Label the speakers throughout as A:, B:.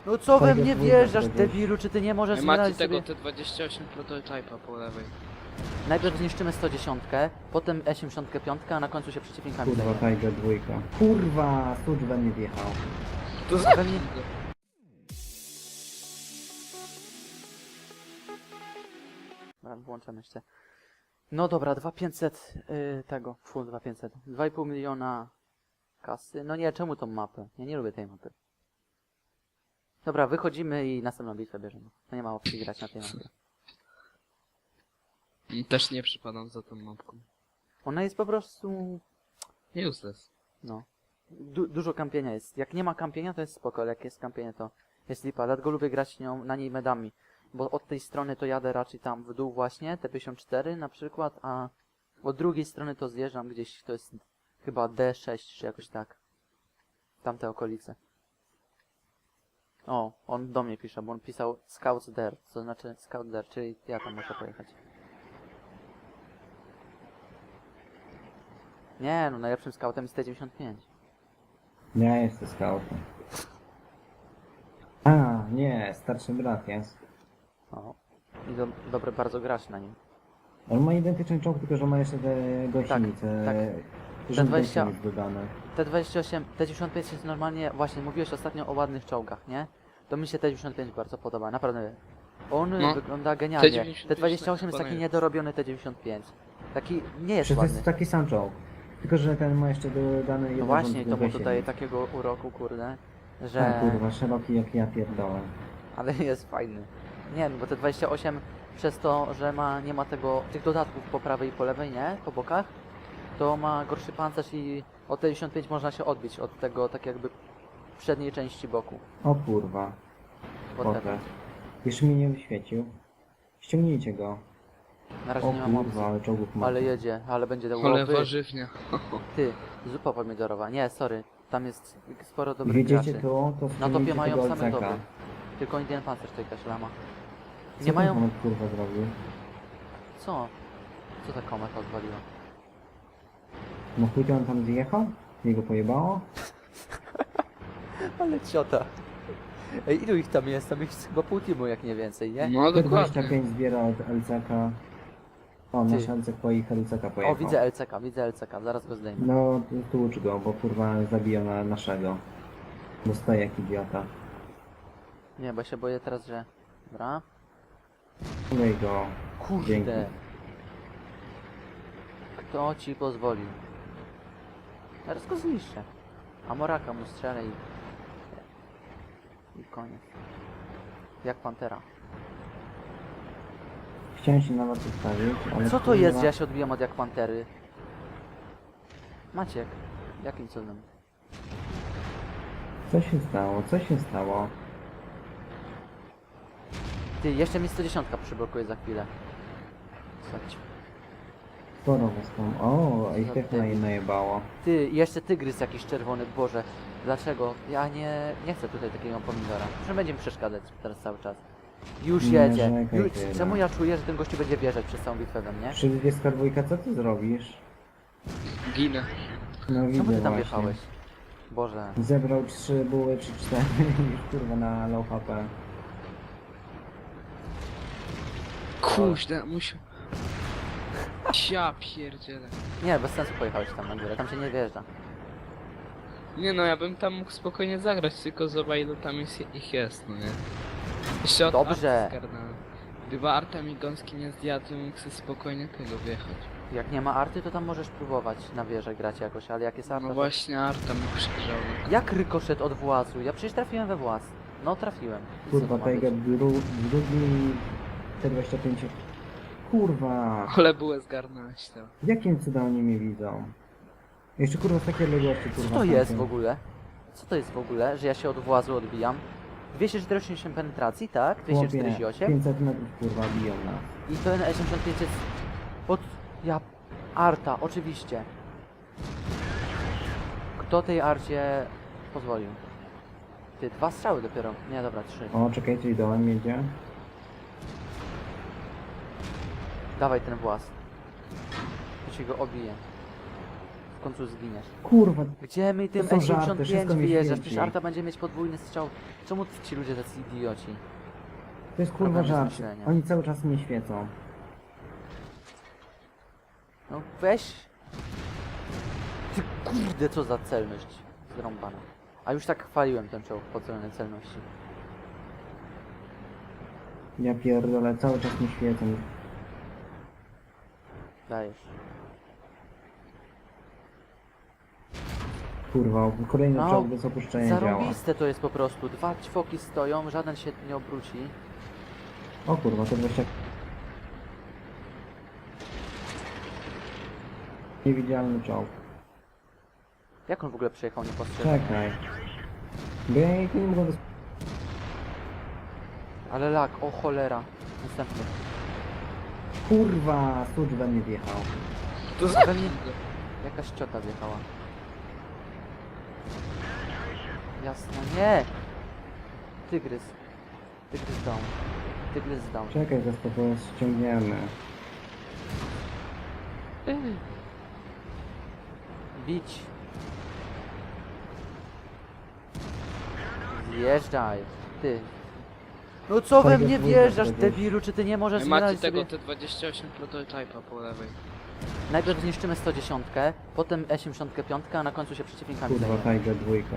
A: No co we
B: Tiger
A: mnie
B: dwójka
A: wjeżdżasz,
B: to gdzieś.
A: debilu, czy ty nie możesz
C: Macie
A: znaleźć
C: tego
A: sobie...
C: T28 prototypa po lewej.
A: Najpierw zniszczymy 110, potem E75, a na końcu się przeciwnikami
B: Kurwa,
A: zajmiemy.
B: Tiger dwójka. Kurwa, Sucz we mnie wjechał.
C: To
A: Pewnie... Dobra, włączam jeszcze. No dobra, 2500 tego, 2500, 2,5 miliona kasy. No nie, czemu tą mapę? Ja nie lubię tej mapy. Dobra, wychodzimy i następną bitwę bierzemy. No nie ma opcji grać na tej mapie.
C: Też nie przypadam za tą mapką.
A: Ona jest po prostu...
C: Useless.
A: No. Dużo kampienia jest. Jak nie ma kampienia, to jest spoko, ale jak jest kampienie, to jest lipa. Dlatego lubię grać na niej medami. Bo od tej strony to jadę raczej tam w dół właśnie, T54 na przykład, a od drugiej strony to zjeżdżam gdzieś, to jest chyba D6 czy jakoś tak. Tamte okolice. O, on do mnie pisze, bo on pisał Scouts there, to znaczy Scout there, czyli ja tam muszę pojechać. Nie, no najlepszym scoutem jest T95.
B: Ja jestem scoutem. A, nie, starszy brat jest.
A: O. I dobre bardzo grasz na nim.
B: On ma identyczny czołg, tylko że ma jeszcze te gąsienice.
A: tak.
B: Rzut
A: Te 20
B: gąsienic dodane.
A: T28, T95 jest normalnie, właśnie mówiłeś ostatnio o ładnych czołgach, nie? To mi się T95 bardzo podoba, naprawdę. On
C: No.
A: wygląda genialnie.
C: T95
A: T28 jest taki
C: imponuje.
A: niedorobiony T95. Taki nie jest
B: Przecież to
A: ładny.
B: jest taki sam czołg. Tylko że ten ma jeszcze dodane
A: No
B: jedno
A: właśnie, to mu
B: gąsienic.
A: dodaje takiego uroku, kurde,
B: A
A: że...
B: kurwa, szeroki jak ja pierdolę.
A: Ale jest fajny. Nie, no bo T28 przez to, że nie ma tych dodatków po prawej i po lewej, nie? Po bokach, to ma gorszy pancerz i od T95 można się odbić od tego tak jakby przedniej części boku.
B: O kurwa,
A: Whatever.
B: potę. Jeszcze mnie nie wyświecił. Ściągnijcie go.
A: Na razie
B: O
A: nie mam opcji.
B: kurwa, ale czołgów ma.
A: Ale jedzie, ale będzie
C: Ale
A: łowy.
C: warzywnia.
A: Ty, zupa pomidorowa. Nie, sorry. Tam jest sporo dobrych
B: Wiedziecie
A: graczy.
B: to
A: Na
B: ściągnijcie
A: topie mają
B: tego
A: same
B: LCK.
A: doby. Tylko Indian Pancerz to jakaś lama.
B: Co
A: Nie
B: ten
A: mają...
B: komet, kurwa zrobił?
A: Co? Co ta kometa odwaliła?
B: No chuj to on tam zjechał? Jego pojebało?
A: Ale ciota. Ej, ilu ich tam jest? Tam jest chyba pół teamu, jak nie więcej, nie?
C: No dokładnie.
B: T25 zbiera od LCK. O,
A: Ty.
B: nasz LCK po ich LCK pojechał.
A: O, widzę LCK, zaraz go zdejmę.
B: No, tłucz go, bo kurwa zabija na naszego. Dostaje jak idiota.
A: Nie, bo się boję teraz, że... Dobra.
B: Lej go. Dzięki.
A: Kurde. Kto ci pozwolił? Teraz go zniszczę. A Moraka mu strzelę i koniec. Jak Pantera.
B: Chciałem się na was ustawić, ale
A: Co to
B: kurwa,
A: jest, że ja się odbijam od jak Pantery? Maciek. Jakim cudem?
B: Co się stało? Co się stało?
A: Ty, jeszcze mi 110 przyblokuje za chwilę. Słuchajcie.
B: Sporo was tam. O, ich
A: Za
B: też
A: debil.
B: najebało.
A: Ty, jeszcze tygrys jakiś czerwony, Boże. Dlaczego? Ja nie chcę tutaj takiego pomidora. Że będzie mi przeszkadzać teraz cały czas. Już
B: Nie
A: jedzie.
B: narzekaj
A: Już,
B: tyle.
A: czemu ja czuję, że ten gościu będzie wjeżdżać przez całą bitwę we mnie?
B: Przy 22, co ty zrobisz?
C: Ginę.
B: No widzę
A: Czemu ty tam
B: właśnie.
A: wjechałeś? Boże.
B: Zebrał 3 buły czy 4 już kurwa na low HP.
C: Kuźle, musiał... Ja pierdzielę.
A: Nie, bez sensu pojechałeś tam na górę, tam się nie wjeżdża.
C: Nie no, ja bym tam mógł spokojnie zagrać, tylko zobacz ile tam ich jest, no nie? Jeszcze od
A: Dobrze.
C: Arty zgarnąłem. Gdyby Arta mi gąski nie zdjadł, to mógł sobie spokojnie tego wjechać.
A: Jak nie ma arty, to tam możesz próbować na wieżę grać jakoś, ale jak jest arta,
C: No
A: to...
C: właśnie Arta mi przegrzał.
A: Jak rykoszet od włazu? Ja przecież trafiłem we właz. No trafiłem. I co
B: Kurwa,
A: to ma być?
B: Tiger drugi T25. Kurwa!
C: Ale były zgarnąłeś to.
B: Jakim cudem oni mnie widzą? Jeszcze kurwa z takiej odległości kurwa.
A: Co to jest w
B: tamten.
A: ogóle? Co to jest w ogóle, że ja się od włazu odbijam? 248 penetracji, tak?
B: Chłopie,
A: 248.
B: 500 metrów kurwa biją nas.
A: I ten E85 jest... Od... Ja... Arta, oczywiście. Kto tej arcie pozwolił? Ty, 2 strzały dopiero. Nie, dobra, 3.
B: O, czekajcie, dołem jedzie.
A: Dawaj ten włas. To ci go obije. w końcu zginiesz.
B: Kurwa,
A: Gdzie my tym
B: To są żarty,
A: E75
B: wszystko mi
A: wyjeżdżasz?
B: świeci.
A: Przecież Arta będzie mieć podwójny strzał. Czemu ci ludzie tacy idioci?
B: to jest kurwa
A: Problem jest
B: żart.
A: myślenia.
B: Oni cały czas mnie świecą.
A: No weź. Ty kurde, co za celność zrąbana. A już tak chwaliłem ten czołg po celnej celności.
B: Ja pierdolę, cały czas mnie świecą.
A: Dajesz.
B: Kurwa, kolejny
A: No,
B: czołg bez opuszczenia działa.
A: Zarąbiste to jest po prostu. Dwa ćwoki stoją, żaden się nie obróci.
B: O kurwa, to 20... Niewidzialny czołg.
A: Jak on w ogóle przejechał niepostrzeżony?
B: Czekaj. Bo ja ich nie mogę
A: Ale lag, o cholera. Następny.
B: Kurwa, Sucz we mnie wjechał.
C: To za
A: Pewnie jakaś ciota wjechała. Jasno, nie! Tygrys. Tygrys down. Tygrys down.
B: Czekaj, zaraz to ściągniemy.
A: Bić. Zjeżdżaj. Ty. No co we
B: Fajnie,
A: mnie
B: fajnie,
A: wjeżdżasz,
B: fajnie.
A: debilu? Czy ty nie możesz
C: Macie
A: znaleźć
C: tego
A: sobie...
C: T28 prototypa po lewej.
A: Najpierw zniszczymy 110, potem E75, a na końcu się przeciwnikami
B: Kurwa,
A: zajmiemy.
B: Tiger dwójka.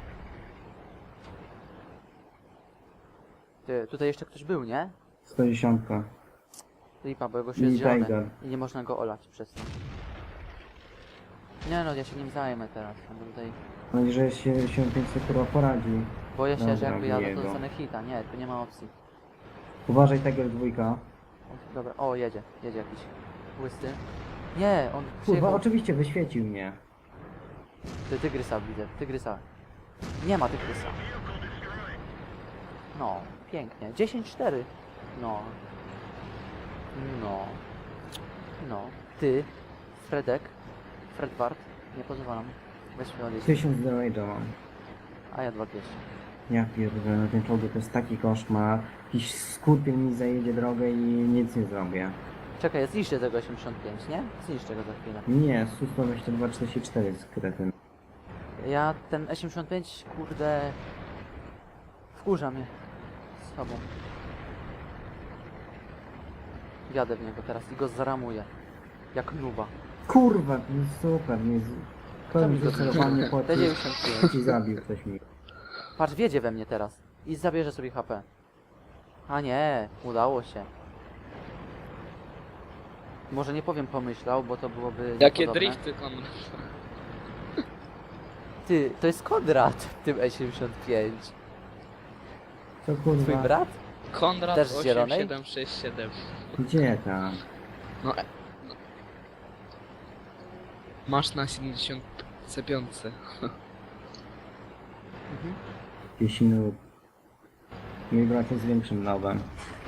A: Ty, tutaj jeszcze ktoś był, nie?
B: 110.
A: Lipa, bo jego się
B: Mini
A: jest zielony
B: Tiger.
A: i nie można go olać przez to. Nie no, ja się nim zajmę teraz, bo tutaj...
B: Mam nadzieję, że się 500 kurwa poradzi.
A: Boję się, że
B: Dobra,
A: jakby jadę, to
B: jego.
A: dostanę hita. Nie, tu nie ma opcji.
B: Uważaj, Tiger dwójka.
A: O, dobra, o, jedzie jakiś łysty. Nie, on
B: Kurwa,
A: przyjechał...
B: oczywiście wyświecił mnie.
A: Ty, tygrysa widzę, tygrysa. Nie ma tygrysa. No, pięknie. 10-4. No. No. No. Ty, Fredek, Fredward, nie pozwalam. Weź mnie odjeść.
B: 1000 damage'a mam.
A: A ja 2200.
B: Ja pierdolę, na tym czołgu to jest taki koszmar. Jakiś skurpiel mi zajedzie drogę i nic nie zrobię.
A: Czekaj, zniszczę tego 85, nie? Zniszczę go za chwilę.
B: Nie, Su-122-44 jest kretyn.
A: Ja ten E85, kurde... Wkurza mnie. Z sobą. Jadę w niego teraz i go zaramuję. Jak nuba.
B: Kurwa, no super, nie z... To mi
A: Zabij go.
B: wycelowanie po
A: T95.
B: ci zabił ktoś mi.
A: Patrz, wiedzie we mnie teraz. I zabierze sobie HP. A nie, udało się. Może nie powiem pomyślał, bo to byłoby
C: Jakie
A: niepodobne.
C: drifty, Konrad.
A: Ty, to jest Konrad w tym E75.
B: To
A: Twój
B: kurwa,
A: brat?
C: Konrad
A: Też z zielonej?
C: 8767.
B: gdzie tam?
C: No, no. Masz na 75.
A: Mhm.
B: 10 minut. Mój brat jest większym nowem.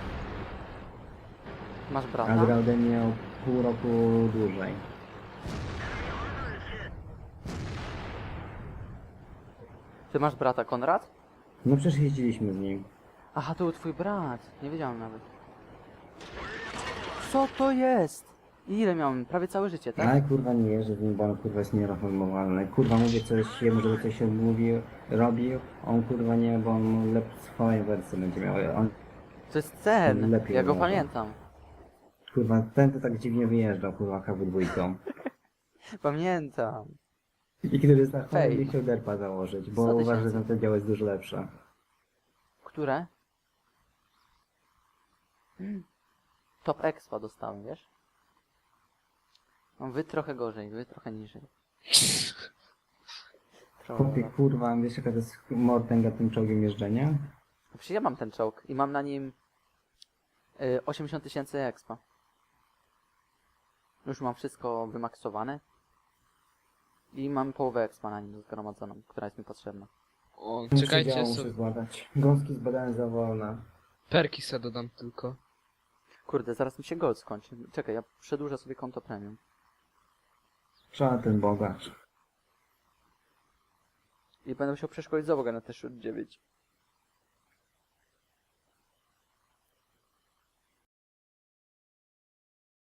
A: Masz
B: A
A: brata?
B: grał ode mnie o pół roku dłużej.
A: Ty masz brata Konrad?
B: No przecież jeździliśmy z nim.
A: Aha, to był twój brat. Nie wiedziałem nawet. Co to jest? Ile miałem? Prawie całe życie, tak?
B: Ale kurwa nie jeżdżę z nim, bo on kurwa jest niereformowalny. Kurwa mówię coś jemu, żeby coś odmówił, robił. On kurwa nie, bo on swoją wersję będzie miał. On
A: To jest Cen.
B: Lepiej
A: Ja go
B: może.
A: pamiętam.
B: kurwa ten to tak dziwnie wyjeżdżał kurwa KW2.
A: Pamiętam.
B: I który jest na
A: Fej.
B: chorym nie chciał derpa założyć, bo
A: 100
B: uważa, że
A: tysięcy.
B: ten dział jest dużo lepsze.
A: Które? Top Expa dostałem, wiesz? No, wy trochę gorzej, wy trochę niżej.
B: Chłopie kurwa, wiesz jaka to jest mortęga tym czołgiem jeżdżenia?
A: Przecież ja mam ten czołg i mam na nim 80 000 expa. Już mam wszystko wymaksowane. I mam połowę expa na nim zgromadzoną, która jest mi potrzebna.
C: O,
B: Muszę
C: czekajcie,
B: działo, muszę
C: sobie
B: zbadać. Gąski zbadałem za wolna.
C: perki se dodam tylko.
A: Kurde, zaraz mi się gold skończy. Czekaj, ja przedłużę sobie konto premium.
B: Trzeba ten bogacz.
A: I będę musiał przeszkolić załogę na te 9.